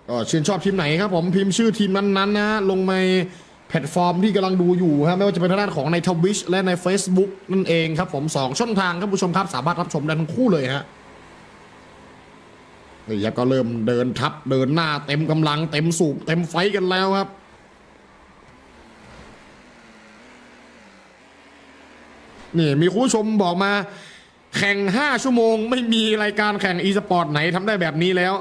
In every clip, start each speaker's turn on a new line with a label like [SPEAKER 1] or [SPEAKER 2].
[SPEAKER 1] ก็ชื่นชอบทีมไหนครับผมพิมพ์ชื่อทีมนั้นๆนะลงในแพลตฟอร์มที่กำลังดูอยู่ครับไม่ว่าจะเป็นทางด้านของใน Twitch และใน Facebook นั่นเองครับผม2ช่องทางครับผู้ชมครับสามารถรับชมได้ทั้งคู่เลยฮะนี่ครับก็เริ่มเดินทับเดินหน้าเต็มกำลังเต็มสูบเต็มไฟกันแล้วครับนี่มีคุณผู้ชมบอกมาแข่ง5ชั่วโมงไม่มีรายการแข่งอีสปอร์ตไหนทำได้แบบนี้แล้ว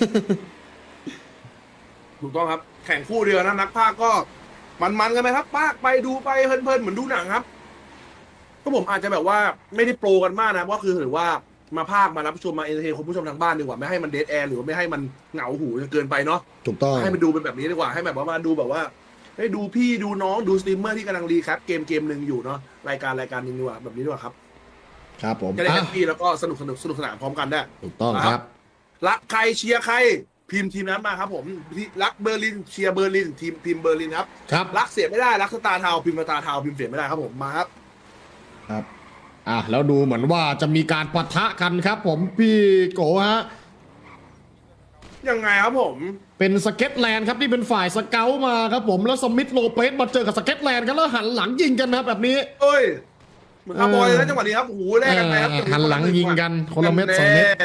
[SPEAKER 2] ถูกต้องครับแข่งคู่เดียวนะนักพากย์ก็มันกันไหมครับพากย์ไปดูไปเพลินๆเหมือนดูหนังครับก็ผมอาจจะแบบว่าไม่ได้โปรกันมากนะก็คือถือว่ามาพากย์มารับชมมาเอนเตอร์เทนคุณผู้ชมทางบ้านดีกว่าไม่ให้มันเดดแอร์หรือว่าไม่ให้มันเหงาหูจนเกินไปเนาะ
[SPEAKER 1] ถูกต้อง
[SPEAKER 2] ให้มันดูเป็นแบบนี้ดีกว่าให้แบบว่ามาดูแบบว่าให้ดูพี่ดูน้องดูสตรีมเมอร์ที่กำลังรีแคปเกมหนึ่งอยู่เนาะรายการหนึงดีกว่าแบบนี้ดีกว่าครับ
[SPEAKER 1] ครับผม
[SPEAKER 2] จะได้แฮปปี้แล้วก็สนุกสนานพร้อมกันได้
[SPEAKER 1] ถูกต้องครับ
[SPEAKER 2] รักใครเชียร์ใครพิมพ์ทีมนั้นมาครับผมรักเบอร์ลินเชียร์เบอร์ลินทีมเบอร์ลินครับ
[SPEAKER 1] ครับ
[SPEAKER 2] รักเสียไม่ได้รักสตาร์ทาวพิมพ์สตาร์ทาวพิมพ์เสียไม่ได้ครับผมมาครับ
[SPEAKER 1] ครับแล้วดูเหมือนว่าจะมีการปะทะกันครับผมพี่โกฮะ
[SPEAKER 2] ยังไงครับผม
[SPEAKER 1] เป็นสเก็ตแลนด์ครับที่เป็นฝ่ายสเกลมาครับผมแล้วสมิธโลเปสมาเจอกับสเก็ตแลนด์กันแล้วหันหลังยิงกันนะครับแบบนี้
[SPEAKER 2] เอ้ยเหมือนคาร์บอยเลยนะจังหวะนี้ครับโอ้โหแลกกันไปครับ
[SPEAKER 1] หันหลังยิงกันคนละเม็ด2 เม็ด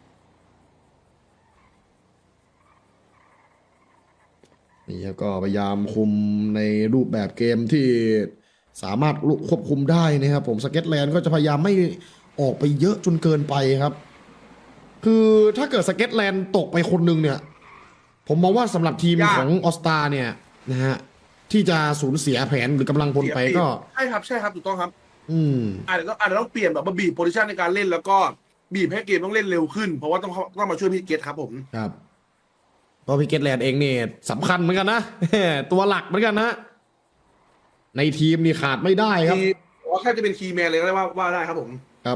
[SPEAKER 1] นี่ครับก็พยายามคุมในรูปแบบเกมที่สามารถควบคุมได้นะครับผมสเก็ตแลนด์ก็จะพยายามไม่ออกไปเยอะจนเกินไปครับคือถ้าเกิดสเก็ตแลนด์ตกไปคนหนึ่งเนี่ยผมมองว่าสำหรับทีมของออสตาเนี่ยนะฮะที่จะสูญเสียแผนหรือกำลังพลไปก็
[SPEAKER 2] ใช่ครับถูกต้องครับ
[SPEAKER 1] อืม
[SPEAKER 2] อาจจะต้องเปลี่ยนแบบว่าบีบโพซิชันในการเล่นแล้วก็บีบให้เกมต้องเล่นเร็วขึ้นเพราะว่าต้องมาช่วยพี่เกตครับผม
[SPEAKER 1] ครับเพราะพิเกตแลนด์เองเนี่ยสำคัญเหมือนกันนะ ตัวหลักเหมือนกันนะในทีมนี่ขาดไม่ได้ครับ
[SPEAKER 2] ว่าแค่จะเป็นคีย์แมนเลยก็ได้ว่าได้ครับผม
[SPEAKER 1] ครับ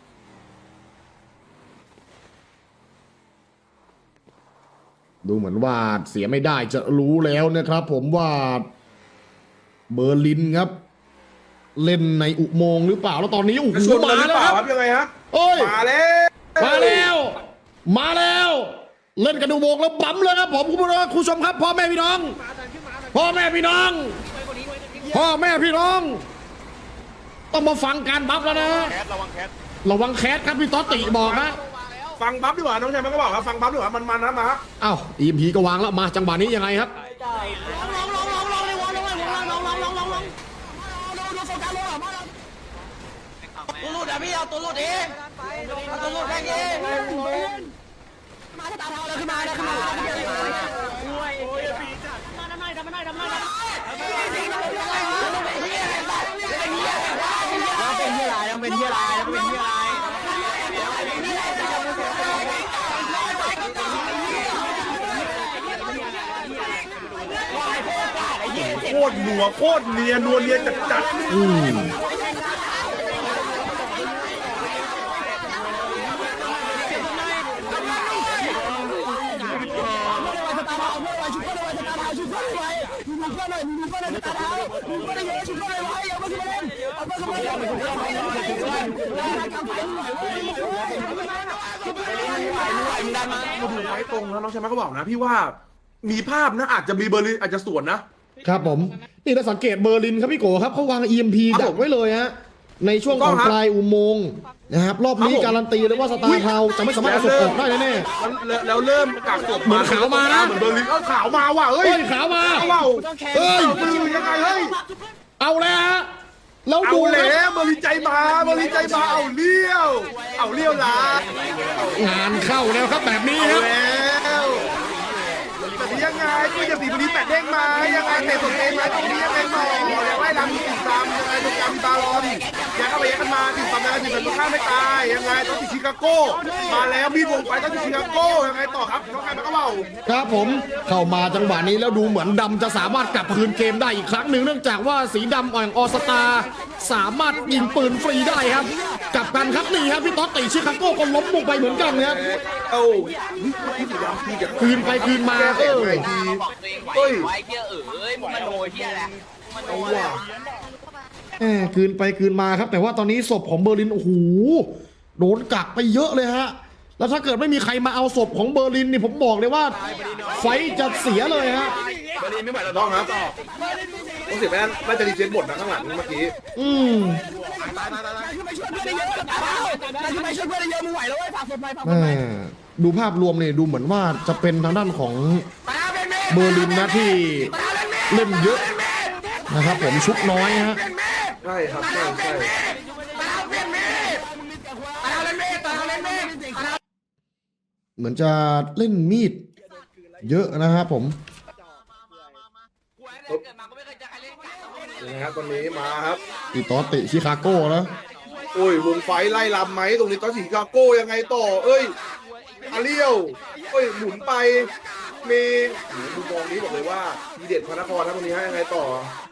[SPEAKER 1] ดูเหมือนว่าเสียไม่ได้จะรู้แล้วนะครับผมว่าเบอร์ลินครับ เล่นในอุโมงค์หรือเปล่าแล้วตอนนี้โอ้โหมาแล้วครับ
[SPEAKER 2] ยังไงฮะ
[SPEAKER 1] โอ้ย
[SPEAKER 2] มาแล้ว
[SPEAKER 1] มาแล้ว เล่นกันอุโมงค์แล้วบั๊มเลยครับผมคุณผู้ชมครับพ่อแม่พี่น้องพ่อแม่พี่น้องพ่อแม่พี่น้องต้องมาฟังการบัฟแล้วนะระวังแคสครับพี่ต๊อตติบอกนะ
[SPEAKER 2] ฟังบัฟดีกว่าน้องชายมันก็บอกครับฟังบัฟดีกว่ามันนะมา
[SPEAKER 1] อ้าวอีมพีก็วางแล้วมาจังหวะนี้ยังไงครับ
[SPEAKER 3] ตัวรูดอ่ะพี่เอาตัวรูดเองเอาตัวรูดแม่งเองมาตาเทาเลยขึ้นมาเลยขึ้นมาโอ้ยมาทำไมแล้วเป็นเหี้ยอะไรแล้วเป็นเหี้ยอะไรแล้วเป็นเหี้ยอะไร
[SPEAKER 2] โคตรหนัวโคตรเนียนัวเนียจัดไว้ตรงแล้วน้องชายมันก็บอกนะพี่ว่ามีภาพนะอาจจะมีเบอร์ลินอาจจะสวนนะครับ
[SPEAKER 1] ผมนี่ถ้าสังเกตเบอร์ลินครับพี่โกครับเขาวาง EMP ดักไว้เลยฮะในช่วงของปลายอุโมงค์นะครับรอบนี้การันตีเลยว่าสตาร์เทาจะไม่สามารถเอาศพออกได้แน่
[SPEAKER 2] ๆแล้วเริ่มกักศพ
[SPEAKER 1] เหมือนขาวมานะ
[SPEAKER 2] เหมือนเบอร์ลินขาวมาว่ะเฮ้ย
[SPEAKER 1] ขาวมา
[SPEAKER 2] ว้าว
[SPEAKER 1] เฮ้ย
[SPEAKER 2] มือยังไงเฮ้ย
[SPEAKER 1] เอาแล้วฮะแล้ว
[SPEAKER 2] เอา
[SPEAKER 1] ดูค
[SPEAKER 2] แล้
[SPEAKER 1] รับ
[SPEAKER 2] วเบอร์ลินใจมาเอาเลี้ยวลาง
[SPEAKER 1] านเข้าแล้วครับแบบนี้ครับ
[SPEAKER 2] แล้วแต่นี้ยังไงก็จะสีบริแปดเด้งมายังไงเตะสดเองไหมตรงนี้ยังไงต่อยังไล่ลำติดตามยังไงตรงกลางบาลอนยังเข้าไปยังกันมาติดตามยังไงติดตามข้างไม่ตายยังไงต้องติดชิคาโก้มาแล้วมีดวงไฟต้องติดชิคาโก้ยังไงต่อครับน้องใครมันก็เบา
[SPEAKER 1] ครับผมเข้ามาจังหวะนี้แล้วดูเหมือนดำจะสามารถกลับคืนเกมได้อีกครั้งหนึ่งเนื่องจากว่าสีดำอ่อยออสตาสามารถยิงปืนฟรีได้ครับกลับกันครับนี่ครับพี่ต๊อตติชิคาโก้ก็ล้มลงไปเหมือนกันนะครับ
[SPEAKER 2] เอ้าพี่สีดำพี่จะ
[SPEAKER 1] คืนไปคืนมา
[SPEAKER 2] แก้ไงดี
[SPEAKER 3] บอกตัวเองไว้เหี้ยมึงมาโนเหี้ยแหละมึงมาโน
[SPEAKER 2] เอาว่ะ
[SPEAKER 1] คืนไปคืนมาครับแต่ว่าตอนนี้ศพของเบอร์ลินโอ้โหโดนกักไปเยอะเลยฮะแล้วถ้าเกิดไม่มีใครมาเอาศพของเบอร์ลินนี่ผมบอกเลยว่าไฟท์จะเสียเลยฮะ
[SPEAKER 2] บอลลีนไม่ไหวแล้วน้องครับต้องเสียไปนั่นน่าจะรีเซ็ตบทนะข้างหลังเมื่อกี้
[SPEAKER 1] อืม แม่ดูภาพรวมเนี่ยดูเหมือนว่าจะเป็นทางด้านของเบอร์ลินนะที่เล่นเยอะนะครับผมชุบน้อยฮะ
[SPEAKER 2] ใช่ครับใช่ใช่
[SPEAKER 1] เหมือนจะเล่นมีดเยอะนะครับผม
[SPEAKER 2] นะครับตอนนี้มาครับ
[SPEAKER 1] อีตอติชิคาโก้นะ
[SPEAKER 2] โอ้ยวงไฟไล่ลำไหมตรงนี้ตอนชิคาโก้ยังไงต่อเอ้ยอาเรียวเอ้ยหมุนไปมีดูมองนี้บอกเลยว่าดีเด็ดพระนครครับตรงนี้ฮะยังไงต่อ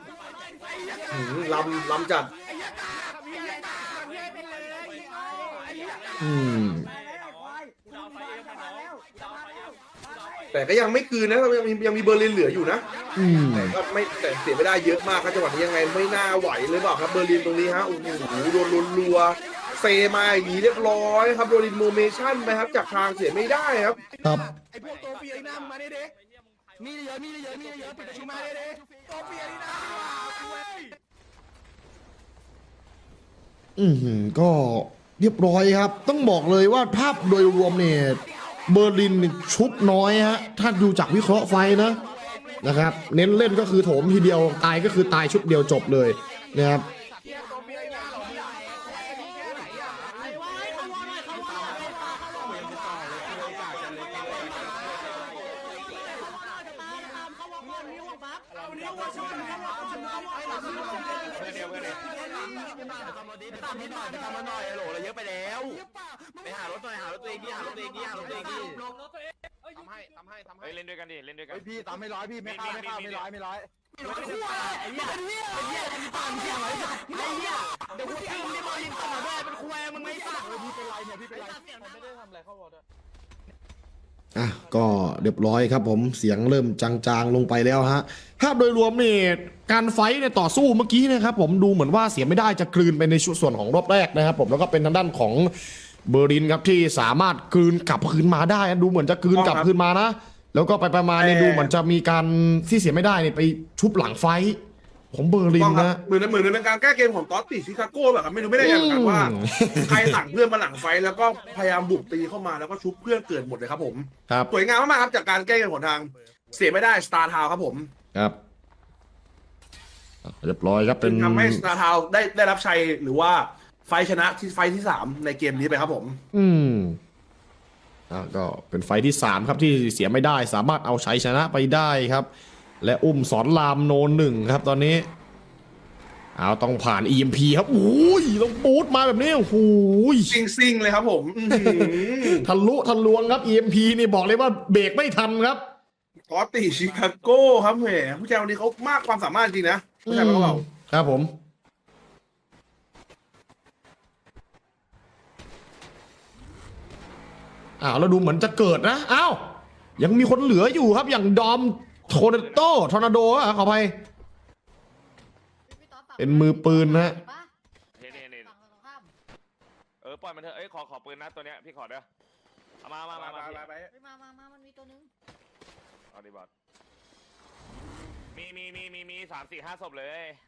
[SPEAKER 2] ลำจัด
[SPEAKER 1] อืม
[SPEAKER 2] แต่ก็ยังไม่คืนนะยังมีเบอร์ลินเหลืออยู่นะ
[SPEAKER 1] อืม
[SPEAKER 2] แต่ก็ไม่แต่เสียไม่ได้เยอะมากครับจังหวะนี้ยังไงไม่น่าไหวเลยเปล่าครับเบอร์ลินตรงนี้ฮะโอ้โหโดนรัวๆเซมาอย่างนี้เรียบร้อยครับโดนอินโมเมชั่นไปครับจากทางเสียไม่ได้ครับ
[SPEAKER 1] ครับ
[SPEAKER 3] ไอพวกตัวเปียนี่นะมึงมาเด้ๆมีเยอะปิดประชุมมาเด้ๆตัวเปียนี่นะ
[SPEAKER 1] ก็เรียบร้อยครับ ต้องบอกเลยว่าภาพโดยรวมเนี่ยเบอร์ลินชุบน้อยฮะถ้าดูจากวิเคราะห์ไฟนะครับ เน้นเล่นก็คือโถมทีเดียวตายก็คือตายชุดเดียวจบเลยนะครับ
[SPEAKER 4] เล่นด้วยกันดิเล่นด้วยกัน
[SPEAKER 3] พี่ตามไม่ร้อยพี่ไม่เข้าไม่ร้อยเดี๋ยวกูทิ้งที่บอลยิงต่อด้วยเป็นคุยมึงไม่สั่งพี่เป็นไรเนี่ยพี่เป็นไรไม่ได้ทำอะไรเข้าวอร์ด
[SPEAKER 1] อ่ะก็เรียบร้อยครับผมเสียงเริ่มจางๆลงไปแล้วฮะภาพโดยรวมเนี่ยการไฟท์เนี่ยต่อสู้เมื่อกี้นะครับผมดูเหมือนว่าเสียไม่ได้จะกลืนไปในส่วนของรอบแรกนะครับผมแล้วก็เป็นทางด้านของเบอร์ลินครับที่สามารถกลืนกลับคืนมาได้ดูเหมือนจะกลืนกลับคืนมานะแล้วก็ไปประมาณเนี่ยดูเหมือนจะมีการที่เสียไม่ได้เนี่ยไปชุบหลังไฟท์ของเบอร์ลินนะ
[SPEAKER 2] เหมือนเป็นการแก้เกมของตอตติชิคาโก้แบบครับไม่รู้ไม่ได้ยังเหมือนกันว่าใครสั่งเพื่อนมาหลังไฟแล้วก็พยายามบุกตีเข้ามาแล้วก็ชุบเพื่อนเกิดหมดเลยครับผม
[SPEAKER 1] ครับ
[SPEAKER 2] สวยงามมากๆครับจากการแก้เกมของทางเสียไม่ได้สตาร์ทาวครับผม
[SPEAKER 1] ครับเรียบร้อยครับเป็น
[SPEAKER 2] ทำให้สตาร์ทาวได้รับชัยหรือว่าไฟชนะที่ไฟที่3ในเกมนี้ไปครับผม
[SPEAKER 1] ก็เป็นไฟท์ที่3ครับที่เสียไม่ได้สามารถเอาชัยชนะไปได้ครับ และอุ้มสอนรามโน1ครับตอนนี้เอาต้องผ่าน EMP ครับโอ้ยต้องปูดมาแบบนี้โอ้โห
[SPEAKER 2] ซิงเลยครับผม
[SPEAKER 1] ทะลวงครับ EMP นี่บอกเลยว่าเบรกไม่ทันครับ
[SPEAKER 2] ตอตติชิคาโก้ครับแหมผู้ชายคนนี้เขามากความสามารถจริงนะผู้ชายเขา
[SPEAKER 1] ครับผมแล้วดูเหมือนจะเกิดนะอ้าวยังมีคนเหลืออยู่ครับอย่างดอมทอร์นาโดขออภัยเป็นมือปืนนะ
[SPEAKER 4] ปล่อยมันเถอะขอปืนนะตัวเนี้ยพี่ขอเด้อเอามา
[SPEAKER 5] มันมีตัวนึง
[SPEAKER 4] เอาดิบอสมี3-4-5 ศพเลย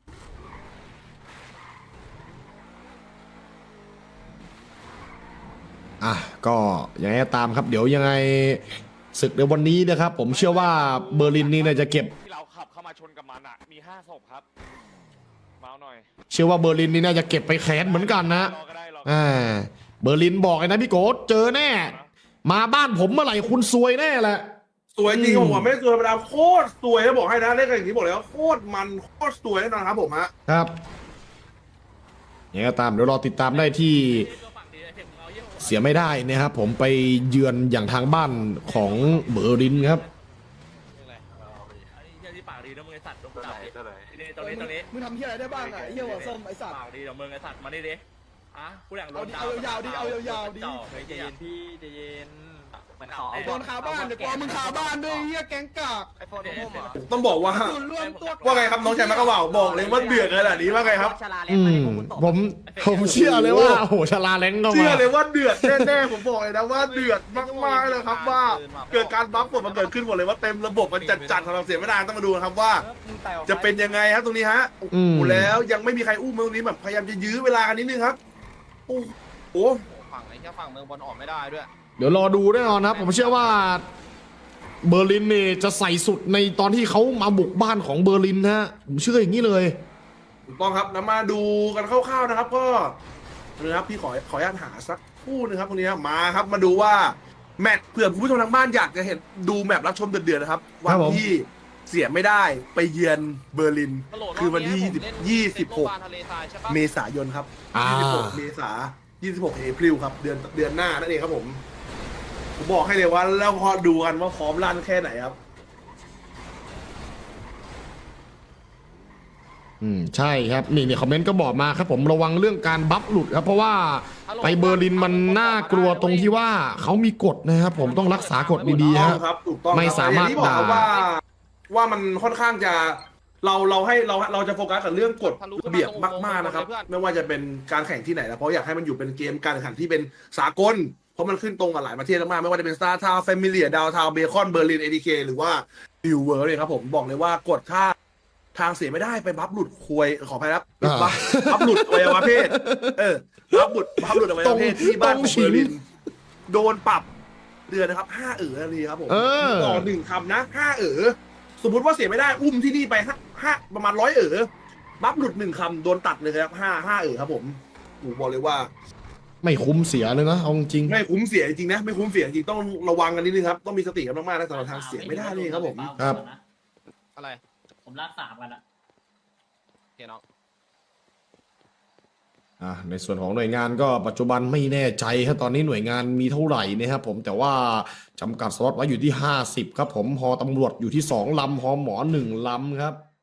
[SPEAKER 1] ก็ยังไงก็ตามครับเดี๋ยวยังไงศึกในวันนี้นะครับผมเชื่อว่าเบอร์ลินนี่น่าจะเก็บ
[SPEAKER 4] ที่เราขับเข้ามาชนกับมันอ่ะมี5 ศพครับมาหน่อย
[SPEAKER 1] เชื่อว่าเบอร์ลินนี่น่าจะเก็บไปแค้นเหมือนกันนะ
[SPEAKER 4] รอก็ได้รอ
[SPEAKER 1] เบอร์ลินบอกเลยนะพี่โกเจอแน่มาบ้านผมเมื่อไหร่คุณซวยแน่แหละ
[SPEAKER 2] สวยจริงผมไม่สวยธรรมดาโคตรสวยแล้วบอกให้นะเล่นกันอย่างนี้บอกเลยว่าโคตรมันโคตรสวยแน่นอนครับผมฮะ
[SPEAKER 1] ครับยังไงก็ตามเดี๋ยวรอติดตามได้ที่เสียไม่ได้นะครับผมไปเยือนอย่างทางบ้านของเบอร์ลินครับ
[SPEAKER 6] ที่ปากดีนะมึงไอสัตว์ตรงนี้
[SPEAKER 3] มึงทำที่อะไรได้บ้างอ่ะไอ้เหี้ยหัวส้มไอ้สัตว์
[SPEAKER 6] ปากดีเดี๋ยวมึงไอสัตว์มาดิกูอยากโดน
[SPEAKER 3] เอายาวๆดิ
[SPEAKER 6] ใจเย็นพี่ใจเย็น
[SPEAKER 2] โดนคาบ้านเดี๋ยวกลัวมึงคาบ้านด้วยเฮียแก๊งกาก
[SPEAKER 6] ไอโฟนพุ่มเหรอ
[SPEAKER 2] ต้องบอกว่าว่าไงครับน้องชายมะกะเหว่าบอกเลยว่าเดือดขนาดนี้ว่าไงครับ
[SPEAKER 1] ผมเชื่อเลยว่าโอ้โหชลาแรงก็
[SPEAKER 2] เชื่อ
[SPEAKER 1] มา
[SPEAKER 2] เลยว่าเดือดแน่ๆผมบอกเลยนะว่าเดือดมากๆเลยครับว่าเกิดการบัฟหมดมันเกิดขึ้นหมดเลยว่าเต็มระบบมันจัดๆสำหรับเสียไม่ได้ต้องมาดูนะครับว่า จะเป็นยังไงครับตรงนี้ฮะโอ้โหแล้วยังไม่มีใครอุ้มตรงนี้แบบพยายามจะยื้อเวลากันนิดนึงครับโอ้โห
[SPEAKER 6] ฝั่งไหนแค่ฝั่งเมืองบอลออกไม่ได้ด้วย
[SPEAKER 1] เดี๋ยวรอดูแน่นอนนะครับผมเชื่อว่าเบอร์ลินนี่จะใส่สุดในตอนที่เขามาบุกบ้านของเบอร์ลินนะฮะผมเชื่ออย่างนี้เลย
[SPEAKER 2] ถูกต้องครับนำมาดูกันคร่าวๆนะครับก็นะครับพี่ขออนุญาตหาสักคู่นึงครับตรงนี้ครับมาครับมาดูว่าแมตช์เผื่อคุณผู้ชมทางบ้านอยากจะเห็นดูแมตช์รับชมเดือดๆนะครับวันที่เสียไม่ได้ไปเยือนเบอร์ลินคือวันที่26 เมษายนครับ 26 เมษายน 26 เอพริลครับเดือนหน้านั่นเองครับผมบอกให้เลยว่าแล้วพอดูกันว่าพร้อมลั่นแค่ไหนครับ
[SPEAKER 1] ใช่ครับนี่คอมเมนต์ก็บอกมาครับผมระวังเรื่องการบัฟหลุดครับเพราะว่าไปเบอร์ลินมันน่ากลัวตรงที่ว่าเขามีกฎนะครับผมต้องรักษากฎดีๆครับ
[SPEAKER 2] ถูกต้อง
[SPEAKER 1] ไม่สามารถ
[SPEAKER 2] อย่งที่บอกครับ
[SPEAKER 1] ด่า
[SPEAKER 2] ว่ามันค่อนข้างจะเราจะโฟกัสกับเรื่องกฎระเบียบมากๆนะครับไม่ว่าจะเป็นการแข่งที่ไหนนะเพราะอยากให้มันอยู่เป็นเกมการแข่งขันที่เป็นสากลเพราะมันขึ้นตรงกับหลายประเทศมากๆไม่ว่าจะเป็นสตาร์ทาวน์แฟมิเลียดาวทาวน์เบคอนเบอร์ลินเอทีเคหรือว่านิวเวิร์เลยครับผมบอกเลยว่ากฎถ้าทางเสียไม่ได้ไปบัฟหลุดควยขออภัยครับบัฟหลุดอวัยวะเพศบัฟหลุดอวัยวะเพศที่บ้านของเบอร์ลินโดนปรับเดือนนะครับ5ทันทีครับผมต่อ1คำนะ5สมมุติว่าเสียไม่ได้อุ้มที่นี่ไป5ประมาณ100บัฟหลุด1คำโดนตัดเลยครับ5ครับผมบอกเลยว่า
[SPEAKER 1] ไม่คุ้มเสียเลยนะเอาจริง
[SPEAKER 2] ไม่คุ้มเสียจริงนะไม่คุ้มเสียจริงต้องระวังกันนิดนึงครับต้องมีสติกันมากๆนะสำหรับทางเสียไม่ได้เลยครับผม
[SPEAKER 1] ครับ
[SPEAKER 6] อะไร
[SPEAKER 3] ผมลาก3กันละ
[SPEAKER 6] โอเคน้อง
[SPEAKER 1] ในส่วนของหน่วยงานก็ปัจจุบันไม่แน่ใจครับตอนนี้หน่วยงานมีเท่าไหร่นะครับผมแต่ว่าจำกัดสล็อตไว้อยู่ที่50ครับผมฮอตำรวจอยู่ที่2ลำฮอหมอ1ลำครับ